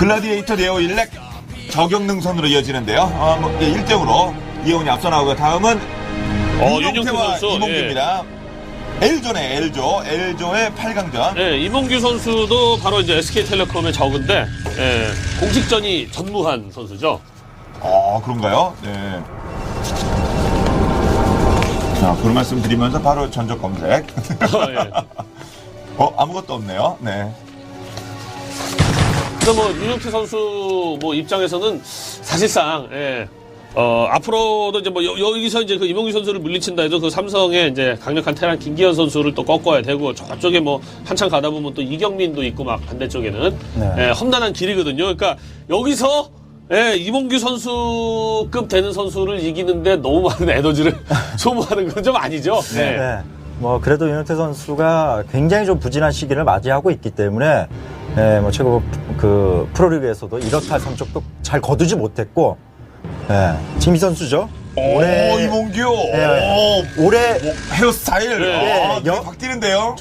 글라디에이터 네오 일렉 저격능선으로 이어지는데요. 1등으로 이영훈이 앞서 나오고 다음은 윤영태 선수 이몽규입니다. L조의 8강전. 예, 이몽규 선수도 바로 이제 SK텔레콤의 적인데 공식전이 전무한 선수죠. 그런가요? 네. 자, 그런 말씀 드리면서 바로 전적 검색. 예. 아무것도 없네요. 네. 그래서 뭐 윤영태 선수 입장에서는 사실상 앞으로도 이제 여기서 이제 그 이몽규 선수를 물리친다 해도 그 삼성의 이제 강력한 테란 김기현 선수를 또 꺾어야 되고 저쪽에 한참 가다 보면 또 이경민도 있고 막 반대쪽에는 험난한 길이거든요. 그러니까 여기서 이몽규 선수급 되는 선수를 이기는데 너무 많은 에너지를 소모하는 건 좀 아니죠. 네. 그래도 윤영태 선수가 굉장히 좀 부진한 시기를 맞이하고 있기 때문에 최고 그 프로리그에서도 이렇다 할 성적도 잘 거두지 못했고 지금 이 선수죠. 이몽규. 올해 헤어스타일. 확 뛰는데요.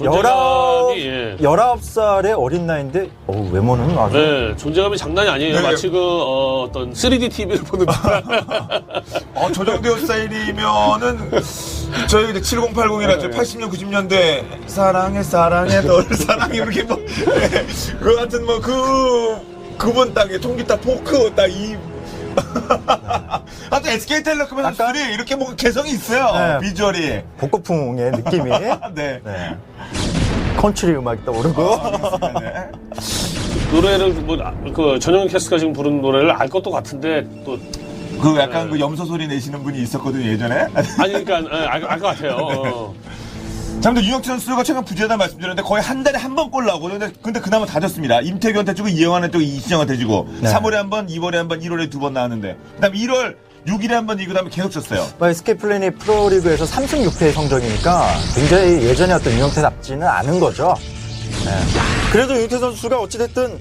19살의 어린 나이인데 외모는 아주 존재감이 장난이 아니에요. 네. 마치 어떤 3D TV를 보는 듯한. 저 정도 헤어스타일이면은 저희 7080이라 80년 90년대 사랑해 널 사랑해 이렇게 그 같은 그분 딱에 통기타 포크 딱이 하여튼 SK텔레콤의 선수들이 이렇게 개성이 있어요. 비주얼이. 복고풍의 느낌이. 네. 컨트리 음악이 떠오르고. 노래를 그 전용 캐스트가 지금 부른 노래를 알 것도 같은데 또 그 약간 그 염소 소리 내시는 분이 있었거든요 예전에. 아니 그러니까 알 것 같아요. 자, 근데 윤영태 선수가 최근 부재다 말씀드렸는데 거의 한 달에 한 번 골 나오고 근데 그나마 다 졌습니다. 임태규한테 주고 이영환한테 주고 이신영한테 주고 3월에 한 번, 2월에 한 번, 1월에 두 번 나왔는데 그다음에 1월 6일에 한 번 이기고 그다음에 계속 졌어요. SK 플래닛 프로리그에서 3승 6패의 성적이니까 굉장히 예전에 어떤 윤영태답지는 않은 거죠. 그래도 윤영태 선수가 어찌됐든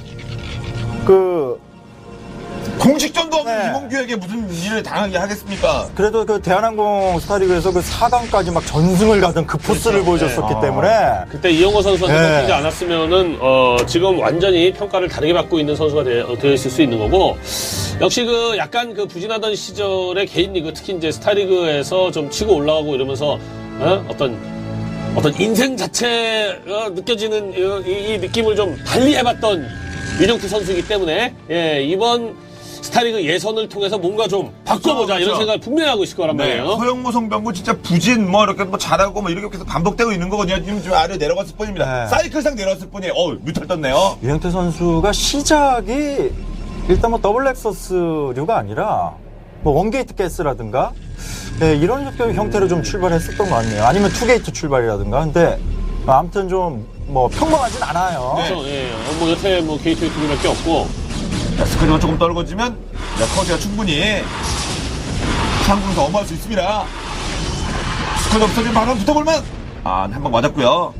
공식전도 없는 이몽규에게 무슨 일을 당하게 하겠습니까? 그래도 그 대한항공 스타리그에서 그 4강까지 막 전승을 가던 그 포스를 보여줬었기 때문에 그때 이영호 선수한테 꺾이지 않았으면은 지금 완전히 평가를 다르게 받고 있는 선수가 되어 있을 수 있는 거고 역시 약간 부진하던 시절의 개인 리그 특히 이제 스타리그에서 좀 치고 올라가고 이러면서 어떤 인생 자체가 느껴지는 이 느낌을 좀 달리 해봤던 윤영태 선수이기 때문에 이번 스타리그 예선을 통해서 뭔가 좀 바꿔보자 그렇죠. 이런 생각을 분명히 하고 있을 거란 말이에요. 허영무 성병구 진짜 부진 이렇게 잘하고 이렇게 계속 반복되고 있는 거거든요. 지금 좀 아래 내려갔을 뿐입니다. 사이클상 내려갔을 뿐이에요. 뮤탈 떴네요. 윤영태 선수가 시작이 일단 더블 렉서스류가 아니라 원게이트 가스라든가 이런 형태로 좀 출발했었던 것 같네요. 아니면 투게이트 출발이라든가. 근데 아무튼 좀 평범하진 않아요. 그렇죠. 여태 게이트웨이 두 개밖에 없고. 스크린만 조금 떨궈지면 커즈가 충분히 상공에서 엄호할 수 있습니다. 스크린 없어지면 바로 붙어볼만. 한 방 맞았고요.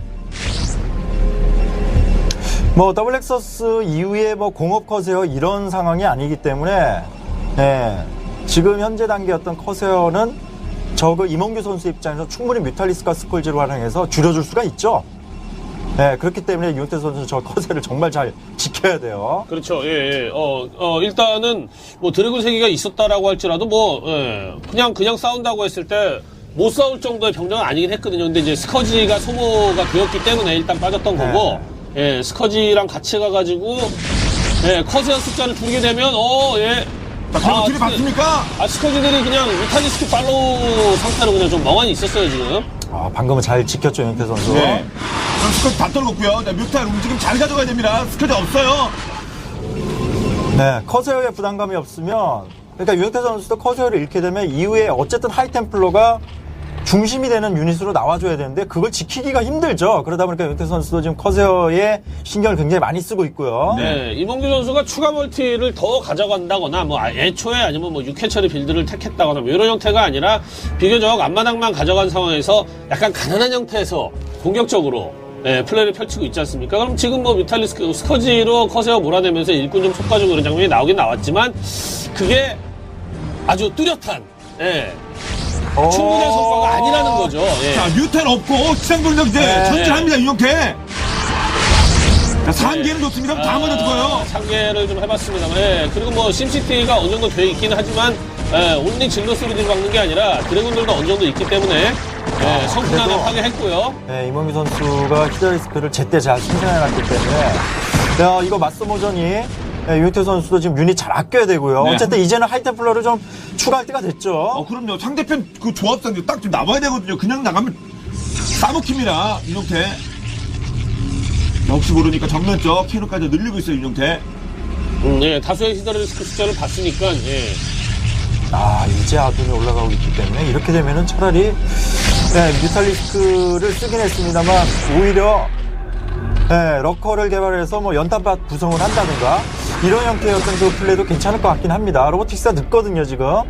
더블 렉서스 이후에 공업 커세어 이런 상황이 아니기 때문에 지금 현재 단계 어떤 커세어는 이몽규 선수 입장에서 충분히 뮤탈리스크와 스콜지를 활용해서 줄여줄 수가 있죠. 그렇기 때문에 윤영태 선수 저 커세를 정말 잘 지켜야 돼요. 그렇죠. 일단은 드래곤 세기가 있었다라고 할지라도 그냥 싸운다고 했을 때 못 싸울 정도의 병력은 아니긴 했거든요. 근데 이제 스커지가 소모가 되었기 때문에 일단 빠졌던 거고, 스커지랑 같이 가가지고 커세어 숫자를 줄이게 되면 둘이 바뀝니까? 스커지들이 그냥 뮤탈리스크 팔로우 상태로 그냥 좀 멍하니 있었어요 지금. 방금은 잘 지켰죠 윤영태 선수. 그럼 스쿼트 다 떨궜고요. 뮤탈 움직임 잘 가져가야 됩니다. 스쿼트 없어요. 커세어에 부담감이 없으면 그러니까 윤영태 선수도 커세어를 잃게 되면 이후에 어쨌든 하이템플러가 중심이 되는 유닛으로 나와줘야 되는데 그걸 지키기가 힘들죠. 그러다 보니까 윤영태 선수도 지금 커세어에 신경을 굉장히 많이 쓰고 있고요. 이몽규 선수가 추가 멀티를 더 가져간다거나 애초에 아니면 6회 처리 빌드를 택했다거나 이런 형태가 아니라 비교적 앞마당만 가져간 상황에서 약간 가난한 형태에서 공격적으로 플레이를 펼치고 있지 않습니까? 그럼 지금 뮤탈리스크 스커지로 커세어 몰아내면서 일꾼 좀 속가지고 그런 장면이 나오긴 나왔지만 그게 아주 뚜렷한 충분한 성과가 아니라는 거죠. 자, 뮤탈 없고 지상병력 이제 전진합니다 윤영태. 상계는 좋습니다. 다 맞아 죽어요. 상계를 좀 해봤습니다만, 예. 그리고 뭐 심시티가 어느 정도 돼 있기는 하지만 온리 질럿으로 들이박는 게 아니라 드래곤들도 어느 정도 있기 때문에 성큰하게 그래도- 파괴했고요. 네, 이몽규 선수가 히드라리스크를 제때 잘 생산해놨기 때문에 이거 맞서모전이 유니트 선수도 지금 유닛 잘 아껴야 되고요. 네. 어쨌든 이제는 하이템플러를 좀 추가할 때가 됐죠. 그럼요. 상대편 그 조합상 딱 좀 나와야 되거든요. 그냥 나가면 싸먹힙니다. 윤용태. 역시 모르니까 정면 쪽 캐논까지 늘리고 있어요. 윤용태. 예, 다수의 히드라리스크 숫자를 봤으니까, 예. 이제 아둔이 올라가고 있기 때문에 이렇게 되면은 차라리 뮤탈리스크를 쓰긴 했습니다만 오히려 러커를 개발해서 뭐 연탄밭 구성을 한다든가 이런 형태의 어떤 그 플레이도 괜찮을 것 같긴 합니다. 로보틱스가 늦거든요 지금.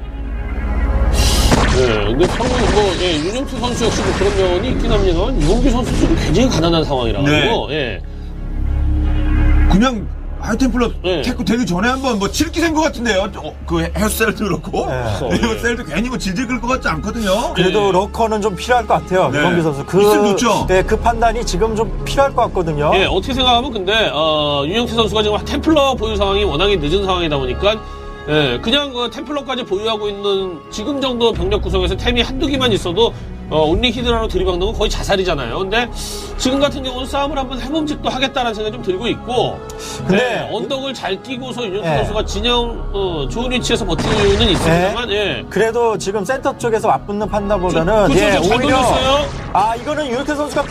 근데 윤영수 선수 역시 뭐 그런 면이 있긴 합니다만, 이몽규 선수도 굉장히 가난한 상황이라 가지고, 예. 그냥 하이템플러 네. 태크 되기 전에 한번 뭐 칠기 센 것 같은데요. 그 헤어셀도 그렇고 헤어셀도 괜히 뭐 질질 끌 것 같지 않거든요. 그래도 예. 러커는 좀 필요할 것 같아요. 네. 이범규 선수. 있으면 좋죠. 그 판단이 지금 좀 필요할 것 같거든요. 예, 어떻게 생각하면 근데 윤영태 선수가 지금 템플러 보유 상황이 워낙에 늦은 상황이다 보니까 그냥 그 템플러까지 보유하고 있는 지금 정도 병력 구성에서 템이 한두 개만 있어도 온리 히드라로 들이박는 건 거의 자살이잖아요. 근데 지금 같은 경우는 싸움을 한번 해봄직도 하겠다라는 생각이 좀 들고 있고, 근데 언덕을 잘 끼고서 윤영태 예. 선수가 진영 좋은 위치에서 버티는 이유는 있습니다만, 예. 그래도 지금 센터 쪽에서 맞붙는 판단보다는 그쵸, 잘 오히려 돌렸어요. 이거는 유니트 선수가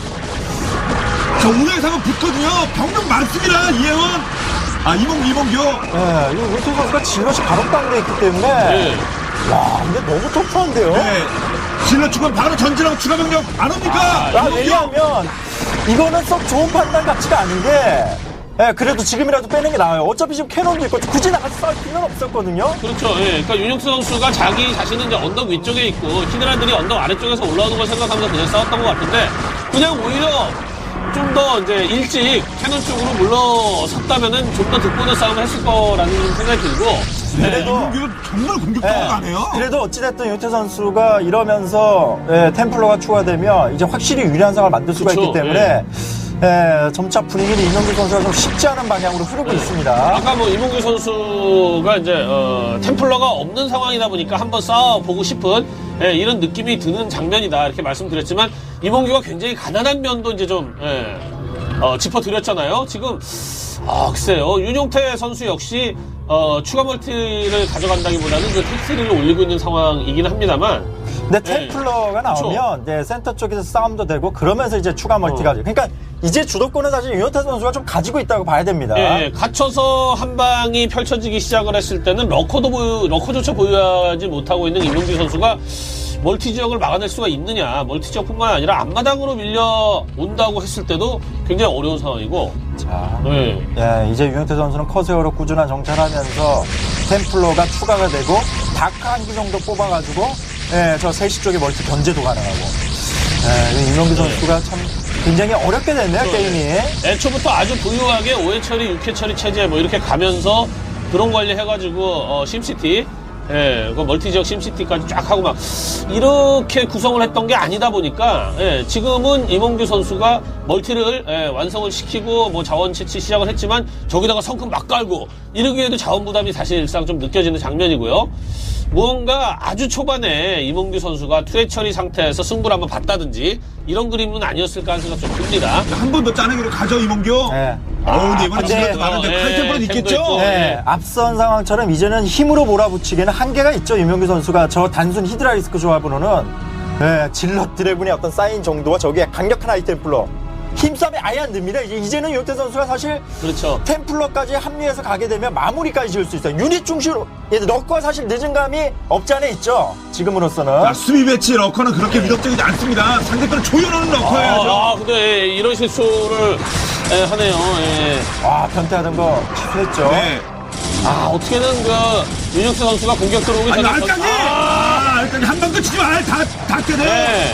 자, 오늘 상은 붙거든요. 병력 많습니다. 이혜원. 이몽규. 이 유니트 선수가 질럿이 바로 땅돼 있기 때문에 예. 와 근데 너무 터프한데요. 네. 질러 죽으면 바로 전진하고 추가 병력 안 옵니까? 이몽규. 왜냐하면 이거는 썩 좋은 판단 같지가 않은 게 그래도 지금이라도 빼는 게 나아요. 어차피 지금 캐논도 있고 굳이 나가서 싸울 필요는 없었거든요. 그렇죠. 예. 그러니까 윤영수 선수가 자기 자신은 이제 언덕 위쪽에 있고 히드라들이 언덕 아래쪽에서 올라오는 걸 생각하면서 그냥 싸웠던 것 같은데, 그냥 오히려 좀 더 이제 일찍 캐논 쪽으로 물러섰다면은 좀 더 득보는 싸움을 했을 거라는 생각이 들고. 그래도 이몽규도 정말 공격적으로 가네요. 그래도 어찌됐든 유태 선수가 이러면서 템플러가 추가되면 이제 확실히 유리한 상황을 만들 수가 그쵸, 있기 때문에 점차 분위기는 이명규 선수가 좀 쉽지 않은 방향으로 흐르고 있습니다. 아까 뭐 이몽규 선수가 이제 템플러가 없는 상황이다 보니까 한번 싸워보고 싶은 이런 느낌이 드는 장면이다 이렇게 말씀드렸지만, 이몽규가 굉장히 가난한 면도 이제 좀 짚어드렸잖아요. 지금 글쎄요, 윤용태 선수 역시 추가 멀티를 가져간다기보다는 그 택시를 올리고 있는 상황이긴 합니다만, 근데 템플러가 나오면 이제 센터 쪽에서 싸움도 되고 그러면서 이제 추가 멀티가 그러니까 이제 주도권은 사실 윤용태 선수가 좀 가지고 있다고 봐야 됩니다. 예, 갇혀서 한 방이 펼쳐지기 시작을 했을 때는 러커조차 보유하지 못하고 있는 이몽규 선수가 멀티 지역을 막아낼 수가 있느냐, 멀티 지역뿐만 아니라 앞마당으로 밀려온다고 했을 때도 굉장히 어려운 상황이고. 자, 이제 윤용태 선수는 커세어로 꾸준한 정찰하면서 템플러가 추가가 되고 다크 한 기 정도 뽑아가지고 저 3시 쪽에 멀티 견제도 가능하고 이명규 선수가 참 굉장히 어렵게 됐네요 게임이. 애초부터 아주 부유하게 5회 처리, 6회 처리 체제 뭐 이렇게 가면서 드론 관리해가지고 심시티, 그 멀티 지역 심시티까지 쫙 하고 막 이렇게 구성을 했던 게 아니다 보니까 지금은 이몽규 선수가 멀티를 완성을 시키고 뭐 자원 채취 시작을 했지만 저기다가 성큼 막 깔고 이러기에도 자원 부담이 사실상 좀 느껴지는 장면이고요. 무언가 아주 초반에 이몽규 선수가 투회 처리 상태에서 승부를 한번 봤다든지 이런 그림은 아니었을까 하는 생각 좀 듭니다. 한 번 더 짜내기로 가죠, 이몽규. 근데 이번에 질러도 많은데 하이템플러는 있겠죠? 있고. 앞선 상황처럼 이제는 힘으로 몰아붙이기에는 한계가 있죠. 이명규 선수가 저 단순 히드라리스크 조합으로는 질럿 드래곤의 어떤 사인 정도와 저기에 강력한 하이템플러 힘싸움이 아예 안 됩니다. 이제는 윤태 선수가 사실 그렇죠. 템플러까지 합류해서 가게 되면 마무리까지 지을 수 있어요. 유닛 중심으로 러커가 사실 늦은 감이 없지 않아 있죠. 지금으로서는. 자, 수비 배치 러커는 그렇게 위협적이지 않습니다. 상대편을 조여놓는 러커예요. 근데 이런 실수를 하네요. 변태하던 거 취소했죠. 네. 어떻게든 그 윤혁수 선수가 공격 들어오기 전에 알까기! 알까기 한 방 끝이지 마! 다 깨네!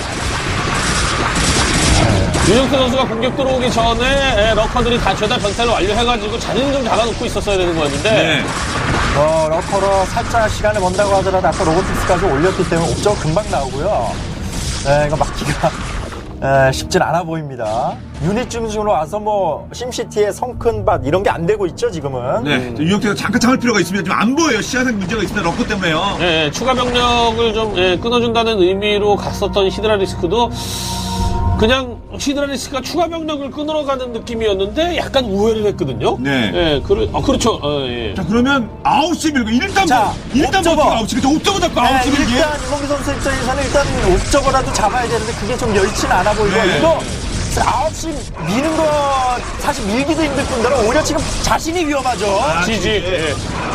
윤혁수 선수가 공격 들어오기 전에 러커들이 다 죄다 변태를 완료해가지고 자리는 좀 잡아놓고 있었어야 되는 거였는데 러커로 살짝 시간을 번다고 하더라도 아까 로보틱스까지 올렸기 때문에 옵저가 금방 나오고요. 이거 막기가 쉽진 않아 보입니다. 유닛 중심으로 와서 뭐 심시티의 성큰밭 이런 게 안 되고 있죠 지금은. 네, 유영태가 잠깐 참을 필요가 있습니다. 지금 안 보여요. 시야상 문제가 있습니다. 러커 때문에요. 예, 추가 병력을 좀 끊어준다는 의미로 갔었던 히드라리스크도 그냥 히드라리스크가 추가 병력을 끊으러 가는 느낌이었는데 약간 우회를 했거든요. 네. 예, 그렇죠. 예. 자, 그러면 9시 밀고 일단 자, 일단 옵저버. 9시. 그쵸, 옵저버 잡고 네, 9시 밀기. 일단 이몽규 선수 입장에서는 일단 옵저버라도 잡아야 되는데 그게 좀 멸치는 않아 보이고 네. 이거 9시 미는 거 사실 밀기도 힘들 뿐더러 오히려 지금 자신이 위험하죠. 지지. 예.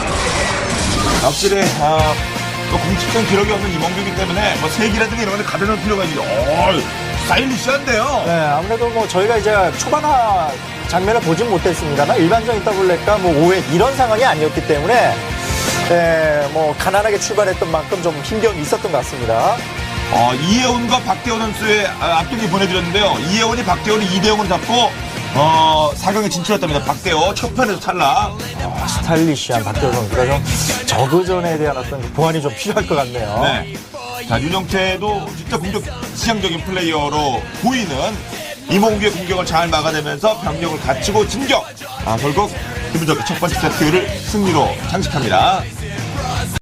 확실히 또 공식적 기록이 없는 이몽규이기 때문에 뭐 세기라든가 이런 거 가려놓을 필요가 있는데 스타일리시한데요. 네, 아무래도 뭐 저희가 이제 초반화 장면을 보진 못했습니다만 일반적인 더블랙과 뭐 5회 이런 상황이 아니었기 때문에 뭐 가난하게 출발했던 만큼 좀 힘겨움이 있었던 것 같습니다. 이혜원과 박대원 선수의 앞경기 보내드렸는데요. 이혜원이 박대원을 2대0으로 잡고 4강에 진출했답니다. 박대원 첫 판에서 탈락. 스타일리시한 박대호 선수가 좀 저그전에 대한 어떤 보완이 좀 필요할 것 같네요. 네. 자, 윤영태도 진짜 공격 지향적인 플레이어로 보이는 이몽규의 공격을 잘 막아내면서 병력을 갖추고 진격. 결국 기분 좋게 첫 번째 세트를 승리로 장식합니다.